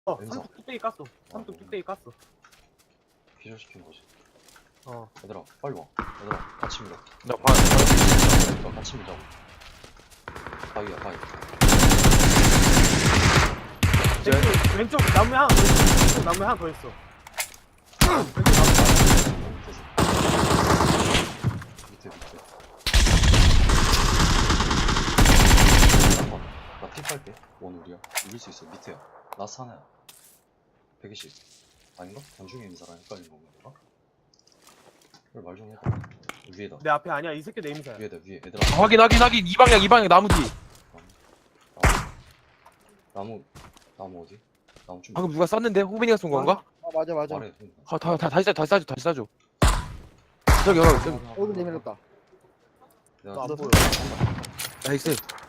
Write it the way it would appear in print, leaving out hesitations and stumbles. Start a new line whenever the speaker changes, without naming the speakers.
왼쪽.
삼뚝 뚝배기 깠어. 삼뚝 뚝배기 깠어.
기절시킨 거지.
어.
얘들아 빨리 와. 얘들아 같이 밀어.
나 봐.
얘들아 같이 밀자고. 바위야 바위.
왼쪽 나무에 하나 더 있어. 왼쪽 나무에 하나 더 있어. 왼쪽 나무.
밑에. 나피 빨게. 원 우리야. 이길 수 있어. 밑에야. 라스 하나야. 120. 아닌가? 단중에 있는 사람 헷갈린 건가? 그래 말 좀 해봐. 위에다.
내 앞에 아니야. 이 새끼 내 임사야.
위에다 위에. 얘들아.
확인. 이 방향 나무 뒤.
나무 어디? 나무 좀.
방금 누가 쐈는데? 호빈이가 쏜 건가?
맞아.
말해.
다시 쏴줘. 저기.
오른 내밀었다.
내가
너 안 보여.
나이스.